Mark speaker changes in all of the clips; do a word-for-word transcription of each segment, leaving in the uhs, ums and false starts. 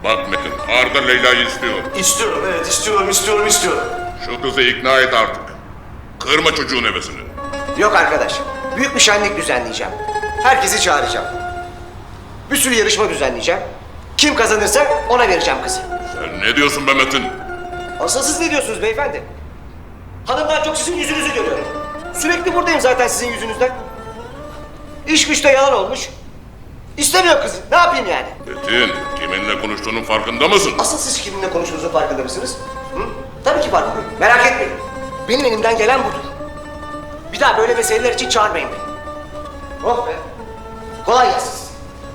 Speaker 1: Bak Metin, Arda Leyla'yı istiyor.
Speaker 2: İstiyorum, evet istiyorum, istiyorum, istiyorum.
Speaker 1: Şu kızı ikna et artık. Kırma çocuğun hevesini.
Speaker 3: Yok arkadaş. Büyük bir şenlik düzenleyeceğim. Herkesi çağıracağım. Bir sürü yarışma düzenleyeceğim. Kim kazanırsa ona vereceğim kızı.
Speaker 1: Sen ne diyorsun be Metin?
Speaker 3: Asıl siz ne diyorsunuz beyefendi? Hanımdan çok sizin yüzünüzü görüyorum. Sürekli buradayım zaten sizin yüzünüzden. İş güçte yalan olmuş. İstemiyor kızı. Ne yapayım yani?
Speaker 1: Metin, kiminle konuştuğunun farkında mısın?
Speaker 3: Asıl siz kiminle konuştuğunuzun farkında mısınız? Hı? Tabii ki farkındayım. Merak etmeyin. Benim elimden gelen budur. Bir daha böyle meseleler için çağırmayın beni. Oh be. Kolay gelsin.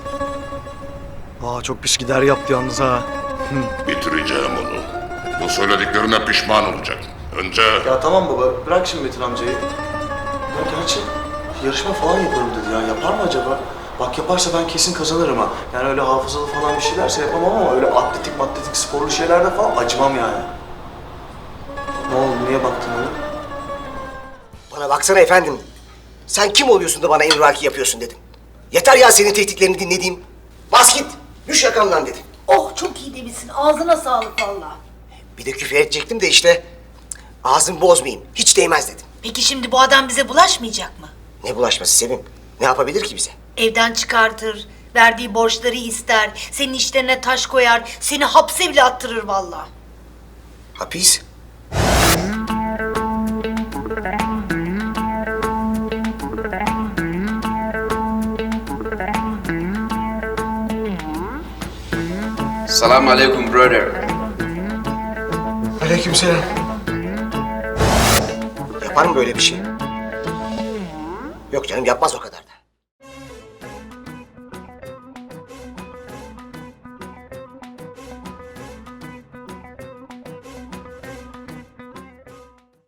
Speaker 2: Aa çok pis gider yaptı yalnız ha.
Speaker 1: Bitireceğim onu. Bu söylediklerine pişman olacak. Önce...
Speaker 4: Ya tamam baba, bırak şimdi Metin amcayı. Ya gerçi yarışma falan yaparım dedi ya. Yapar mı acaba? Bak yaparsa ben kesin kazanırım ha. Yani öyle hafızalı falan bir şeylerse yapamam ama öyle atletik matletik sporlu şeylerde falan acımam yani. Ne oldu, niye baktın öyle?
Speaker 3: Bana baksana efendim. Sen kim oluyorsun da bana emrivaki yapıyorsun dedim. Yeter ya senin tehditlerini dinlediğim. Bas git. Düş yakamdan dedim.
Speaker 5: Oh çok iyi demişsin. Ağzına sağlık valla.
Speaker 3: Bir de küfür edecektim de işte ağzımı bozmayayım. Hiç değmez dedim.
Speaker 5: Peki şimdi bu adam bize bulaşmayacak mı?
Speaker 3: Ne bulaşması Sevim? Ne yapabilir ki bize?
Speaker 5: Evden çıkartır, verdiği borçları ister, senin işlerine taş koyar, seni hapse bile attırır valla.
Speaker 3: Hapis.
Speaker 6: Salam alaikum brother.
Speaker 3: Aleykümselam. Yapar mı böyle bir şey? Yok canım yapmaz o kadar.